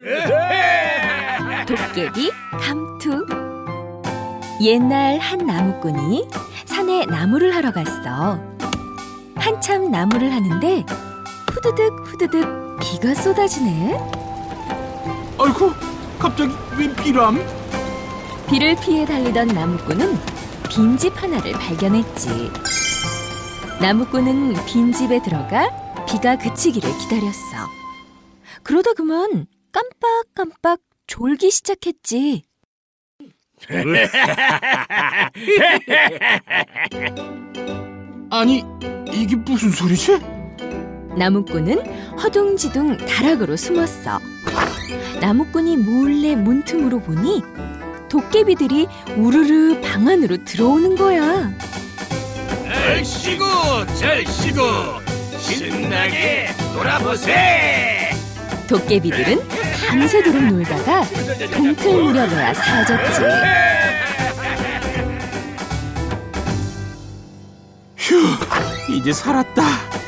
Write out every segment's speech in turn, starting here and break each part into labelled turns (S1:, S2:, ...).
S1: 도깨비 감투. 옛날 한 나무꾼이 산에 나무를 하러 갔어. 한참 나무를 하는데 후드득 후드득 비가 쏟아지네.
S2: 아이고, 갑자기 웬 비람?
S1: 비를 피해 달리던 나무꾼은 빈집 하나를 발견했지. 나무꾼은 빈집에 들어가 비가 그치기를 기다렸어. 그러다 그만 깜빡깜빡 졸기 시작했지.
S2: 아니, 이게 무슨 소리지?
S1: 나무꾼은 허둥지둥 다락으로 숨었어. 나무꾼이 몰래 문틈으로 보니 도깨비들이 우르르 방 안으로 들어오는 거야.
S3: 얼씨구 절씨구 신나게 놀아보세.
S1: 도깨비들은 밤새도록 놀다가 동틀 무렵에야 사라졌지.
S2: 휴, 이제 살았다.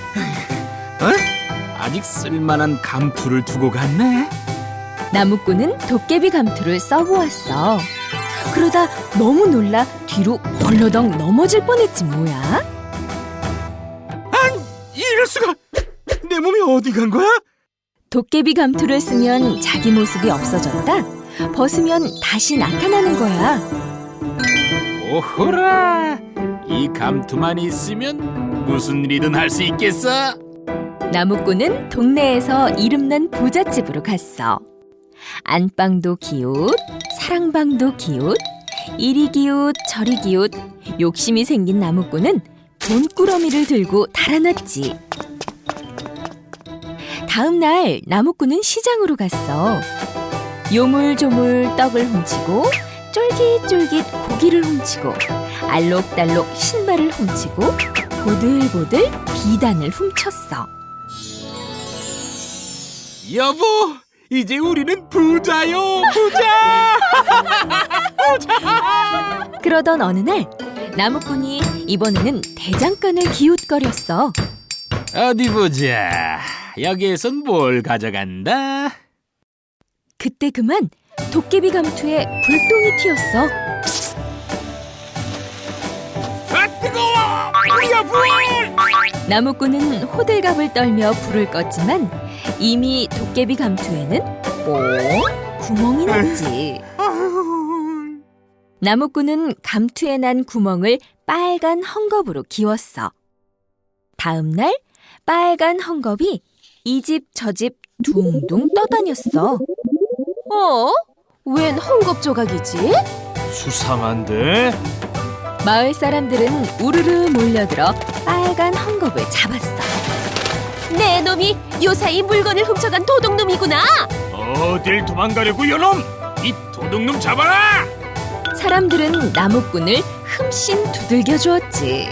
S2: 아직 쓸만한 감투를 두고 갔네.
S1: 나무꾼은 도깨비 감투를 써보았어. 그러다 너무 놀라 뒤로 벌러덩 넘어질 뻔했지 뭐야.
S2: 이럴 수가! 내 몸이 어디 간 거야?
S1: 도깨비 감투를 쓰면 자기 모습이 없어졌다. 벗으면 다시 나타나는 거야.
S2: 오호라! 이 감투만 있으면 무슨 일이든 할 수 있겠어.
S1: 나무꾼은 동네에서 이름난 부잣집으로 갔어. 안방도 기웃, 사랑방도 기웃, 이리 기웃 저리 기웃. 욕심이 생긴 나무꾼은 돈꾸러미를 들고 달아났지. 다음 날 나무꾼은 시장으로 갔어. 요물조물 떡을 훔치고 쫄깃쫄깃 고기를 훔치고 알록달록 신발을 훔치고 보들보들 비단을 훔쳤어.
S2: 여보, 이제 우리는 부자요, 부자!
S1: 그러던 어느 날 나무꾼이 이번에는 대장간을 기웃거렸어.
S2: 어디 보자. 여기에선 뭘 가져간다?
S1: 그때 그만 도깨비 감투에 불똥이 튀었어.
S2: 아, 뜨거워! 불이야, 불!
S1: 나무꾼은 호들갑을 떨며 불을 껐지만 이미 도깨비 감투에는 뽕 구멍이 났지. 나무꾼은 감투에 난 구멍을 빨간 헝겊으로 기웠어. 다음 날 빨간 헝겊이 이 집 저 집 둥둥 떠다녔어. 웬 헝겊 조각이지?
S3: 수상한데?
S1: 마을 사람들은 우르르 몰려들어 빨간 헝겊을 잡았어. 내 놈이 요사이 물건을 훔쳐간 도둑놈이구나.
S3: 어딜 도망가려고 요놈! 이 도둑놈 잡아라!
S1: 사람들은 나무꾼을 흠씬 두들겨 주었지.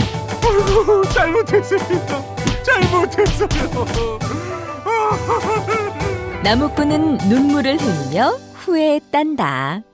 S2: 잘못했습니다. 잘못했어요.
S1: 나무꾼은 눈물을 흘리며 후회했단다.